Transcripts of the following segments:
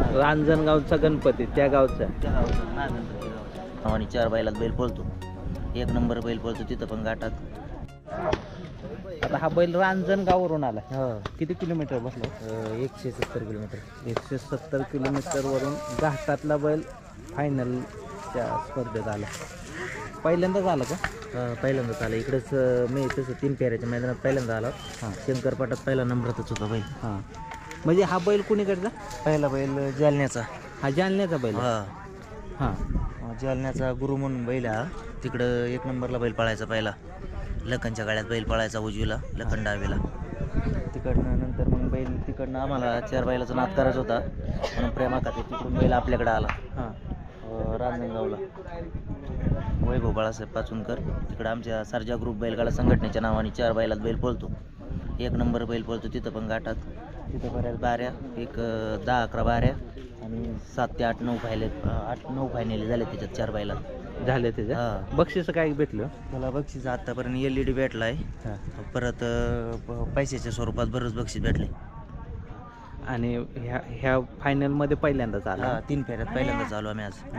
रांजणगावचा गणपती त्या गावचा आणि 4 बैलात बैल पळतो. 1 नंबर बैल पळतो तिथं पण घाटात. आता हा बैल रांजणगाववरून आला. किती किलोमीटर बसला? 170 किलोमीटर. 170 किलोमीटरवरून घाटातला बैल फायनलच्या स्पर्धेत आला. पहिल्यांदाच आला का? पहिल्यांदाच आला इकडेच. मी तसं 3 फेऱ्याच्या मैदानात पहिल्यांदा आला. शंकरपाटात पहिला नंबरातच होता बैल. म्हणजे हा बैल कुणीकडचा? पहिला बैल जालन्याचा. हा जालन्याचा बैल. जालन्याचा गुरु म्हणून बैल हा. तिकडं 1 नंबरला बैल पळायचा पहिला. लखनच्या गाड्यात बैल पळायचा उजवीला, लखन डावीला. तिकडनं नंतर मग बैल तिकडनं आम्हाला 4 बैलाचा नाद करायचा होता म्हणून प्रेमा खाते तिकडून बैल आपल्याकडे आला. रांजणगावला वैभव बाळासाहेब पाचुनकर तिकडं आमच्या सर्जा ग्रुप बैलगाडा संघटनेच्या नावाने 4 बैलात बैल पळतो. 1 नंबर बैल पळतो तिथं पण घाटात. तिथं बऱ्याच बाऱ्या, एक 10-11 बाऱ्या आणि 7 ते 8-9 फायनली झाले त्याच्यात 4 बैलात झाले त्याच्या. बक्षीस काय भेटलं त्याला? बक्षीस आतापर्यंत LED भेटला आहे. परत पैशाच्या स्वरूपात बरंच बक्षीस भेटले. आणि ह्या फायनलमध्ये पहिल्यांदाच आला. 3 फेऱ्यात पहिल्यांदाच आलो आम्ही आज.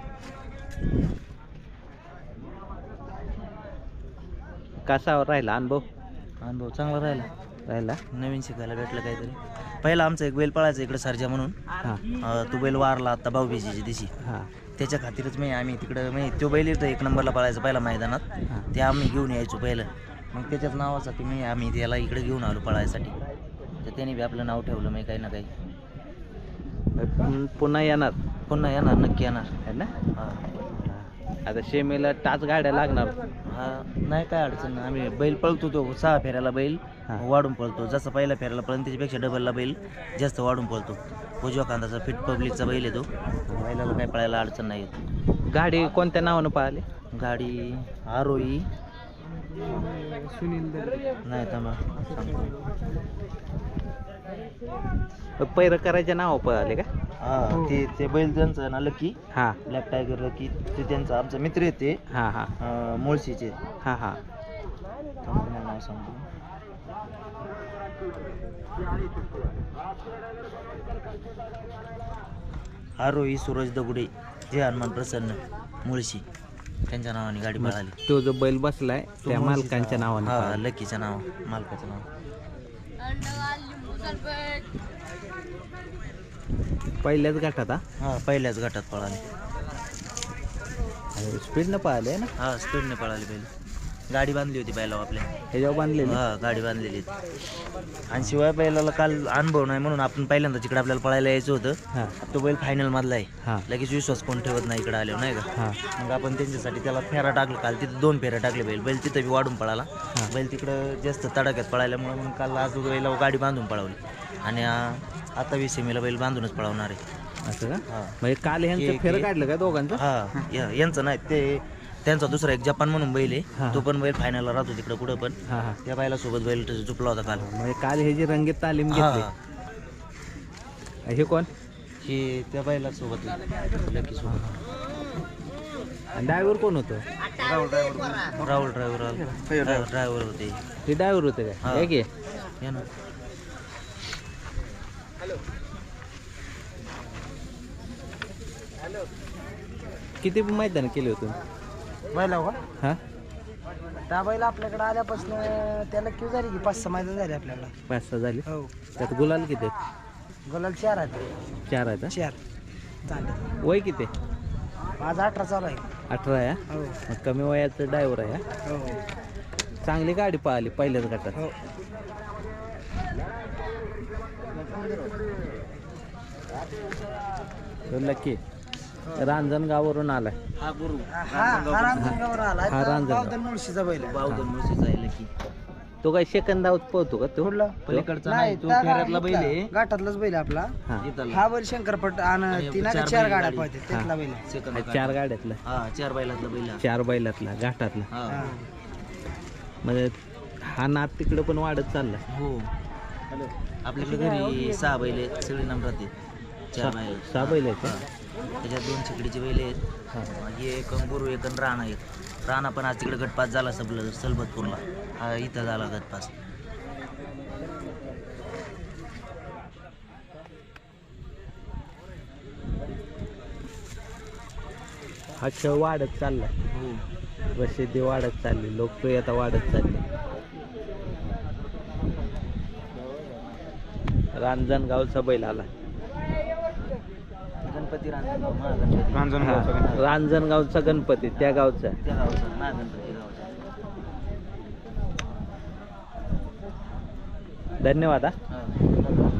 कसा राहिला अनुभव? अनुभव चांगला राहिला. नवीन शिकायला भेटलं काहीतरी. पहिला आमचा एक बैल पळायचा इकडे सर्जा म्हणून. तो बैल वारला आता भाऊबीजेच्या दिवशी. त्याच्या खातीरच आम्ही तिकडं तो बैल येतो 1 नंबरला पळायचा पहिला मैदानात. ते आम्ही घेऊन यायचो पहिलं. मग त्याच्याच नावासाठी आम्ही त्याला इकडे घेऊन आलो पळायसाठी. तर त्याने बी आपलं नाव ठेवलं काही ना काही. पुन्हा येणार नक्की येणार आहे ना. आता शेमेला टाच गाड्या लागणार. नाही काय अडचण नाही. आम्ही बैल पळतो तो 6 फेऱ्याला बैल वाढून पळतो. जसं पहिल्या फेऱ्याला पळतो त्याच्यापेक्षा डबलला बैल जास्त वाढून पळतो. उजव्या खांदाचा फिट पब्लिकचा बैल येतो. बैलाला काय पळायला अडचण नाही येत. गाडी कोणत्या नावानं पळाली? गाडी आरोही सुनील नाही थांबा पैर करायच्या नाव पळाले का? ते बैल त्यांचं ना लकी. ब्लॅक टायगर लकी ते त्यांचा आमचा मित्र येते. मुळशीचे. नाव सांगतो. आरोही सूरज दगुडे, जय हनुमान प्रसन्न, मुळशी त्यांच्या नावाने गाडी पळाली. तो जो बैल बसलाय त्या मालकांच्या नावाने. लकीच्या नाव मालकाचं नाव. पहिल्याच गटात. पहिल्याच गटात पळाली. स्पीडनं पळाले ना. स्पीडने पळाली बैल. गाडी बांधली होती बैलावर आपल्या. ह्याच्यावर बांधलेली. गाडी बांधलेली होती. आणि शिवाय बैलाला काल अनुभव नाही म्हणून आपण पहिल्यांदा तिकडे आपल्याला पळायला यायचं होतं. तो बैल फायनल मधला आहे. लगेच विश्वास कोण ठेवत नाही इकडे आल्यावर नाही का. मग आपण त्यांच्यासाठी त्याला फेरा टाकला. काल तिथं 2 फेऱ्या टाकले बैल तिथं बी वाढून पळाला. बैल तिकडं जास्त तडाख्यात पळाल्यामुळे मग काल आज बैलावर गाडी बांधून पळवली. आणि आता 20 सेमीला बैल बांधूनच पळवणार आहे. असं का? म्हणजे काल ह्यांचं फेरं काढलं का दोघांचं? यांचं नाही ते त्यांचा दुसरा एक जपान म्हणून बैल आहे. तो पण बैल फायनलला राहतो तिकडे कुठं पण. त्या बैला सोबत बैल झुपला होता काल. म्हणजे काल हे जी रंगीत तालीम घेतली. हे कोण? हे त्या बैला सोबत लकी सोबत. ड्रायव्हर कोण होतं? राहुल ड्रायव्हर होते. ते ड्रायव्हर होते काय? की या ना. किती मैदान केले होते बैला का? त्या बैला आपल्याकडे आल्यापासून त्याला क्यू झाली की 5-6 मैदान झाले आपल्याला. 5-6 झाली. हो. त्यात गुलाल किती? गुलाल 4 आहेत. 4 आहेत. 4 चालेल. वय किती? माझा 18 चालू आहे. 18 आहे. हो. कमी वयाचं ड्रायव्हर आहे. हो. चांगली गाडी पळाली पहिल्याच गटात. हो. लकी रांजणगाववरून आलाय. रांजणगावर आला. रांजणगाव मुळशीचा बैल आहे. बावधन मुळशीचा आहे लकी. तो काय सेकंदावत पळतो का? तो पलीकडचा नाही, तो फेऱ्यातला बैल आहे. घाटातलाच बैल आपला. हा बैल शंकरपट आणि 4 गाड्या पळते त्यातला बैल आहे. 4 गाड्यातला. 4 बैलातला बैल. 4 बैलातला घाटातला. म्हणजे हा नाद तिकडे पण वाढत चालला. हो. आपल्याकडे घरी 6 बैल आहेत. सगळे नंबरात आहेत. 6 बैल आहेत. त्याच्यात 2 चिकडीचे बैल आहेत. एक गुरु एक राणा आहेत. राणा पण आज तिकडे गटपास झाला सलबतपूरला. इथं झाला गटपास. हा खेळ वाढत चाललाय, हो. प्रसिद्धी वाढत चालली, लोकप्रियता वाढत चालली. रांजणगावचा बैल आला. गणपती रांजणगाव, महागणपती. हा, रांजणगावचा गणपती त्या गावचा. त्या गावचा, महागणपती गावचा. धन्यवाद. हा.